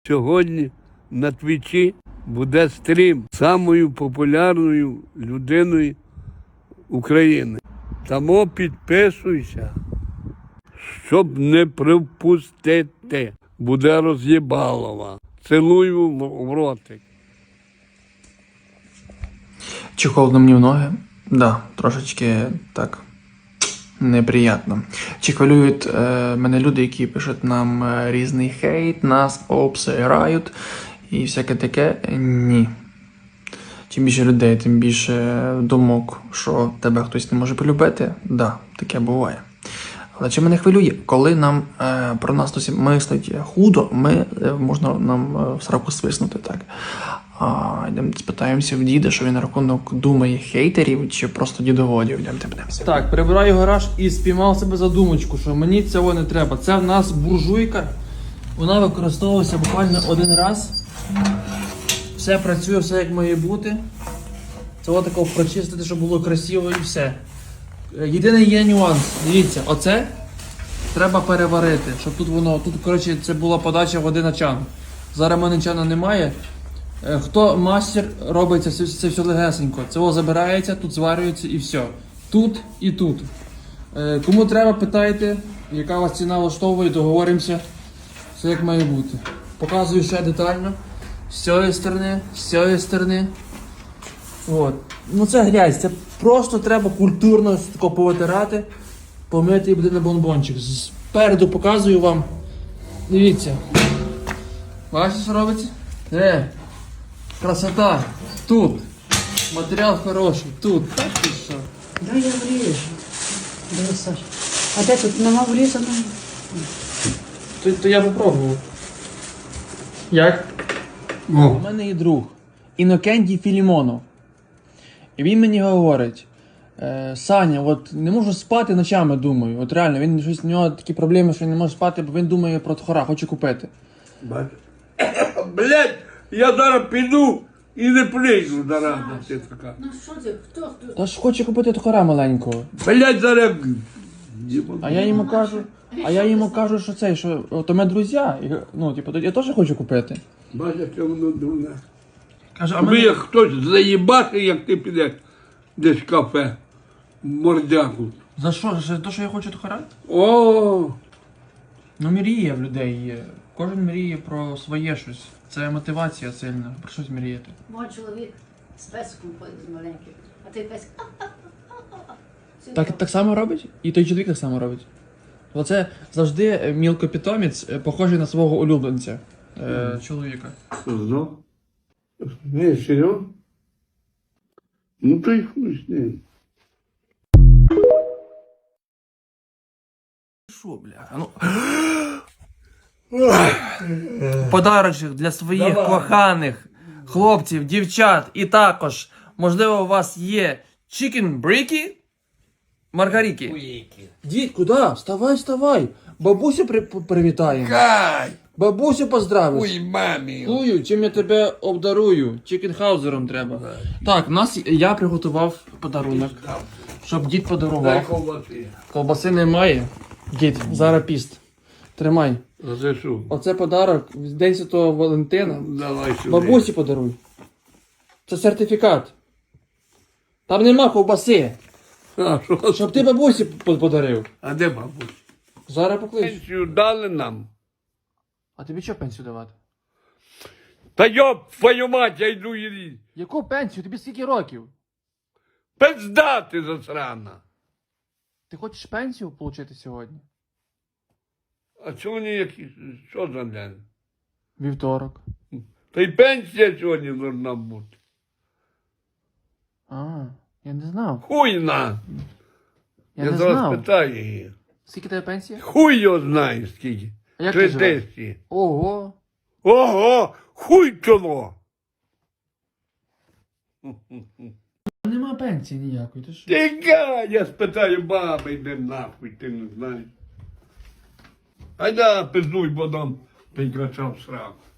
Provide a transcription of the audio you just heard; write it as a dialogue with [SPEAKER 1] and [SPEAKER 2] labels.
[SPEAKER 1] Сьогодні на Твічі буде стрім самою популярною людиною України. Тому підписуйся, щоб не пропустити. Буде роз'єбалова. Цілую в ротик.
[SPEAKER 2] Чи холодно мені в ноги? Да, трошечки так неприємно. Чи хвилюють мене люди, які пишуть нам різний хейт, нас обсирають і всяке таке? Ні. Чим більше людей, тим більше думок, що тебе хтось не може полюбити. Да, таке буває. Але чи мене хвилює? Коли нам про нас хтось мислить худо, можна нам в сраку свиснути, так. Йдемо спитаємося в діда, що він на рахунок думає хейтерів, чи просто дідоводів. Йдемо подивимося. Так, прибираю гараж і спіймав себе за думочку, що мені цього не треба. Це в нас буржуйка. Вона використовується буквально один раз. Все працює, все як має бути. Це ось такого прочистити, щоб було красиво і все. Єдиний є нюанс. Дивіться, оце треба переварити, щоб тут воно, коротше, це була подача води на чан. Зараз в мене чана немає. Хто мастер, робиться це все легесенько. Це забирається, тут зварюється і все. Тут і тут. Кому треба, питайте, яка вас ціна влаштовує, договоримося. Все як має бути. Показую ще детально. З цієї сторони, з цієї сторони. От. Ну це грязь, це просто треба культурно тако повитирати, помити і буде на бонбончик. Спереду показую вам. Дивіться. Бачите, що робиться? Красота. Тут. Матеріал хороший. Тут. Так і що?
[SPEAKER 3] Да, я врежу. Да, Саша. А де тут нема врізано?
[SPEAKER 2] То я попробував. Як? У мене є друг. Інокентій Філімонов. І він мені говорить: Саня, от не можу спати ночами, думаю. От реально, він щось у нього такі проблеми, що він не може спати, бо він думає про тхора, хоче купити.
[SPEAKER 1] Блять, я зараз піду і не прийду зараз. Ти така.
[SPEAKER 3] Ну що ти, хто?
[SPEAKER 2] Та ж хоче купити тхора маленького.
[SPEAKER 1] Блять, зараз.
[SPEAKER 2] А я йому кажу, що цей, що то ми друзі, ну, типу, я теж хочу купити.
[SPEAKER 1] Бачите, воно дурне.
[SPEAKER 2] Каже,
[SPEAKER 1] Тобі як хтось заїбати, як ти підеш десь в кафе, в мордяку.
[SPEAKER 2] За що? За те, що я хочу тхора?
[SPEAKER 1] О,
[SPEAKER 2] Ну, мріє в людей є. Кожен мріє про своє щось. Це мотивація сильна, про щось мріяти.
[SPEAKER 3] Мой чоловік з песиком ходить з маленьким, а той песик.
[SPEAKER 2] Так само робить? І той чоловік так само робить. Оце завжди мілкопітомець, похожий на свого улюбленця, чоловіка.
[SPEAKER 1] знов? Не, серйозно? Ну то й хуй з ним.
[SPEAKER 2] Що, бля? Ну... Подарочок для своїх коханих хлопців, дівчат і також, можливо, у вас є чікен-бріки, маргаріки. Дід, куди? Вставай. Бабусю привітаємо.
[SPEAKER 1] Кай!
[SPEAKER 2] Бабусю поздравиш.
[SPEAKER 1] Ой, мамі!
[SPEAKER 2] Чую, чим я тебе обдарую? Чікенхаузером треба. Так, я приготував подарунок, щоб дід
[SPEAKER 1] Дай
[SPEAKER 2] подарував.
[SPEAKER 1] ковбаси.
[SPEAKER 2] Колбаси немає. Дід, зараз піст. Тримай.
[SPEAKER 1] А це що?
[SPEAKER 2] Оце подарок з День Святого Валентина.
[SPEAKER 1] Давай сюди.
[SPEAKER 2] Бабусі подаруй. Це сертифікат. Там нема ковбаси.
[SPEAKER 1] А, що?
[SPEAKER 2] Щоб ти бабусі подарив.
[SPEAKER 1] А де бабусь?
[SPEAKER 2] Зараз поклич.
[SPEAKER 1] Пенсію дали нам.
[SPEAKER 2] А тобі що пенсію давати?
[SPEAKER 1] Та йоп, твою мать, я йду її.
[SPEAKER 2] Яку пенсію? Тобі скільки років?
[SPEAKER 1] Пизда ти засрана.
[SPEAKER 2] Ти хочеш пенсію отримати сьогодні?
[SPEAKER 1] А сьогодні якісь, що за день?
[SPEAKER 2] Вівторок.
[SPEAKER 1] Та й пенсія сьогодні должна бути.
[SPEAKER 2] Я не знав.
[SPEAKER 1] Хуй на.
[SPEAKER 2] Я
[SPEAKER 1] Я
[SPEAKER 2] не
[SPEAKER 1] зараз
[SPEAKER 2] знав.
[SPEAKER 1] питаю її.
[SPEAKER 2] Скільки тебе пенсія?
[SPEAKER 1] Хуй його знає скільки.
[SPEAKER 2] А як
[SPEAKER 1] 3
[SPEAKER 2] ти живеш?
[SPEAKER 1] тисячі.
[SPEAKER 2] Ого.
[SPEAKER 1] Ого, хуй чоло.
[SPEAKER 2] Нема пенсії ніякої, ти що?
[SPEAKER 1] Тікай, я спитаю баби, йди нахуй, ти не знаєш. Айда, пиздуй, бо дам прикрачав сраку.